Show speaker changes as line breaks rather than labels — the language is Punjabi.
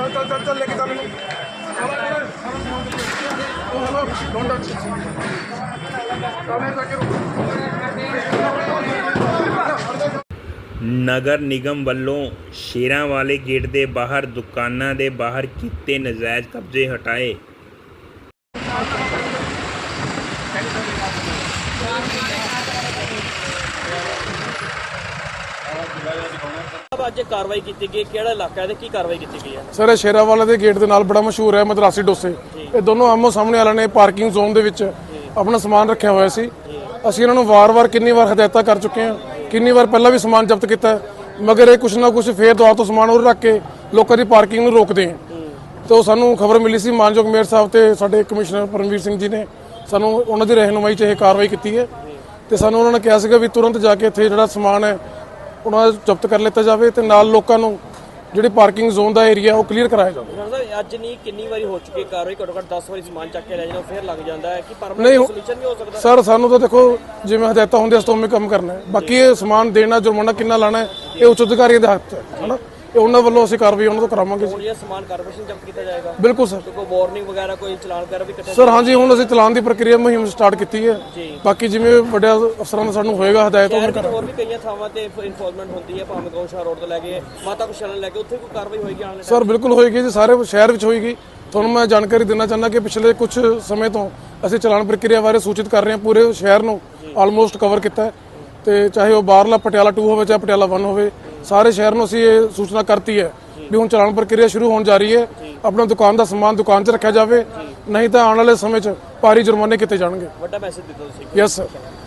ਨਗਰ ਨਿਗਮ ਵੱਲੋਂ ਸ਼ੇਰਾਂ ਵਾਲੇ ਗੇਟ ਦੇ ਬਾਹਰ ਦੁਕਾਨਾਂ ਦੇ ਬਾਹਰ ਕੀਤੇ ਨਜਾਇਜ਼ ਕਬਜ਼ੇ ਹਟਾਏ।
ਅੱਜ ਕਾਰਵਾਈ ਕੀਤੀ ਗਈ, ਕਿਹੜਾ ਇਲਾਕਾ ਹੈ ਤੇ ਕੀ ਕਾਰਵਾਈ ਕੀਤੀ ਗਈ ਹੈ?
ਸਰ, ਸ਼ੇਰਾਂ ਵਾਲੇ ਦੇ ਗੇਟ ਦੇ ਨਾਲ ਬੜਾ ਮਸ਼ਹੂਰ ਹੈ ਮਦਰਾਸੀ ਡੋਸੇ। ਇਹ ਦੋਨੋਂ ਆਮੋ ਸਾਹਮਣੇ ਵਾਲਿਆਂ ਨੇ ਪਾਰਕਿੰਗ ਜ਼ੋਨ ਦੇ ਵਿੱਚ ਆਪਣਾ ਸਮਾਨ ਰੱਖਿਆ ਹੋਇਆ ਸੀ। ਅਸੀਂ ਇਹਨਾਂ ਨੂੰ ਵਾਰ-ਵਾਰ ਕਿੰਨੀ ਵਾਰ ਹਦਾਇਤਾਂ ਕਰ ਚੁੱਕੇ ਹਾਂ, ਕਿੰਨੀ ਵਾਰ ਪਹਿਲਾਂ ਵੀ ਸਮਾਨ ਜ਼ਬਤ ਕੀਤਾ, ਮਗਰ ਇਹ ਕੁਛ ਨਾ ਕੁਛ ਫੇਰ ਦੁਆ ਤੋਂ ਸਮਾਨ ਉਹ ਰੱਖ ਕੇ ਲੋਕਾਂ ਦੀ ਪਾਰਕਿੰਗ ਨੂੰ ਰੋਕਦੇ ਹੈ। ਤੇ ਸਾਨੂੰ ਖਬਰ ਮਿਲੀ ਸੀ ਮਾਨਯੋਗ ਮੇਅਰ ਸਾਹਿਬ ਤੇ ਸਾਡੇ ਕਮਿਸ਼ਨਰ ਪਰਮਵੀਰ ਸਿੰਘ ਜੀ ਨੇ ਸਾਨੂੰ ਉਹਨਾਂ ਦੀ ਰਹਿਨੁਮਾਈ 'ਚ ਇਹ ਕਾਰਵਾਈ ਕੀਤੀ ਹੈ। ਤੇ ਸਾਨੂੰ ਉਹਨਾਂ ਨੇ ਕਿਹਾ ਸੀਗਾ ਵੀ ਤੁਰੰਤ ਜਾ ਕੇ ਇੱਥੇ ਜਿਹੜਾ ਸਮਾਨ ਹੈ ਉਹਨਾਂ ਦਾ ਜ਼ਬਤ ਕਰ ਲਿੱਤਾ ਜਾਵੇ ਤੇ ਨਾਲ ਲੋਕਾਂ ਨੂੰ ਜਿਹੜੀ ਪਾਰਕਿੰਗ ਜ਼ੋਨ ਦਾ ਏਰੀਆ ਉਹ ਕਲੀਅਰ ਕਰਾਇਆ ਜਾਵੇ।
ਅੱਜ ਨਹੀਂ ਕਿੰਨੀ ਵਾਰੀ ਹੋ ਚੁੱਕੀ ਕਾਰਵਾਈ? ਘੱਟੋ ਘੱਟ 10 ਵਾਰੀ ਸਮਾਨ ਚੱਕ ਕੇ ਲੈ ਜਾਣਾ ਫਿਰ ਲੱਗ ਜਾਂਦਾ ਹੈ ਕਿ ਪਰਮਾਨੈਂਟ ਸੋਲੂਸ਼ਨ ਵੀ ਹੋ ਸਕਦਾ?
ਸਰ, ਸਾਨੂੰ ਤਾਂ ਦੇਖੋ ਜਿਵੇਂ ਹਦਾਇਤਾਂ ਹੁੰਦੀਆਂ ਉਸ ਤੋਂ ਉਵੇਂ ਕੰਮ ਕਰਨਾ ਹੈ। ਬਾਕੀ ਇਹ ਸਮਾਨ ਦੇਣਾ ਜੁਰਮਾਨਾ ਕਿੰਨਾ ਲਾਣਾ ਹੈ ਇਹ ਉੱਚ ਅਧਿਕਾਰੀਆਂ ਦੇ ਹੱਥ 'ਚ ਹੈ ਨਾ। ਇਹ ਉਹਨਾਂ ਵੱਲੋਂ ਅਸੀਂ ਕਾਰਵਾਈ ਉਹਨਾਂ ਤੋਂ ਕਰਾਵਾਂਗੇ।
ਹੁਣ ਇਹ ਸਮਾਨ ਕਾਰਪੋਰੇਸ਼ਨ ਜ਼ਬਤ ਕੀਤਾ ਜਾਏਗਾ?
ਬਿਲਕੁਲ ਸਰ।
ਕੋਈ ਵਾਰਨਿੰਗ ਵਗੈਰਾ ਕੋਈ ਚਲਾਨ ਵਗੈਰਾ ਵੀ ਕੱਟਿਆ?
ਸਰ ਹਾਂਜੀ, ਹੁਣ ਅਸੀਂ ਚਲਾਨ ਦੀ ਪ੍ਰਕਿਰਿਆ ਮੁਹਿੰਮ ਸਟਾਰਟ ਕੀਤੀ ਹੈ। ਬਾਕੀ ਜਿਵੇਂ ਵੱਡੇ ਅਫਸਰਾਂ ਦਾ ਸਾਨੂੰ ਹੋਏਗਾ ਹਦਾਇਤ ਉਹ ਕਰਾਂਗੇ।
ਹੋਰ ਵੀ ਕਈਆਂ ਥਾਵਾਂ ਤੇ ਇਨਫੋਰਸਮੈਂਟ ਹੁੰਦੀ ਹੈ, ਭਾਵੇਂ ਗਊਸ਼ਾਲਾ ਰੋਡ ਤੋਂ ਲੈ ਕੇ ਮਾਤਾ ਕੁਸ਼ਾਲਾ ਲੈ ਕੇ, ਉੱਥੇ ਕੋਈ ਕਾਰਵਾਈ ਹੋਏਗੀ ਆਉਣ ਵਾਲੇ?
ਸਰ ਬਿਲਕੁਲ ਹੋਏਗੀ ਜੀ, ਸਾਰੇ ਸ਼ਹਿਰ ਵਿੱਚ ਹੋਏਗੀ। ਤੁਹਾਨੂੰ ਮੈਂ ਜਾਣਕਾਰੀ ਦੇਣਾ ਚਾਹੁੰਦਾ ਕਿ ਪਿਛਲੇ ਕੁਝ ਸਮੇਂ ਤੋਂ ਅਸੀਂ ਚਲਾਨ ਪ੍ਰਕਿਰਿਆ ਬਾਰੇ ਸੂਚਿਤ ਕਰ ਰਹੇ ਹਾਂ। ਪੂਰੇ ਸ਼ਹਿਰ ਨੂੰ ਆਲਮੋਸਟ ਕਵਰ ਕੀਤਾ ਹੈ ਤੇ ਚਾਹੇ ਉਹ ਬਾਹਰਲਾ ਪਟਿਆਲਾ 2 ਹੋਵੇ ਚਾਹੇ ਪਟਿਆਲਾ 1 ਹੋਵੇ, ਸਾਰੇ ਸ਼ਹਿਰ ਨੂੰ ਅਸੀਂ ਇਹ ਸੂਚਨਾ ਕਰਤੀ ਹੈ ਵੀ ਹੁਣ ਚਲਾਨ ਪ੍ਰਕਿਰਿਆ ਸ਼ੁਰੂ ਹੋਣ ਜਾ ਰਹੀ ਹੈ। ਆਪਣਾ ਦੁਕਾਨ ਦਾ ਸਮਾਨ ਦੁਕਾਨ 'ਚ ਰੱਖਿਆ ਜਾਵੇ, ਨਹੀਂ ਤਾਂ ਆਉਣ ਵਾਲੇ ਸਮੇਂ 'ਚ ਭਾਰੀ ਜੁਰਮਾਨੇ ਕੀਤੇ ਜਾਣਗੇ।
ਵੱਡਾ ਮੈਸੇਜ ਦਿੱਤਾ ਤੁਸੀਂ।
Yes sir.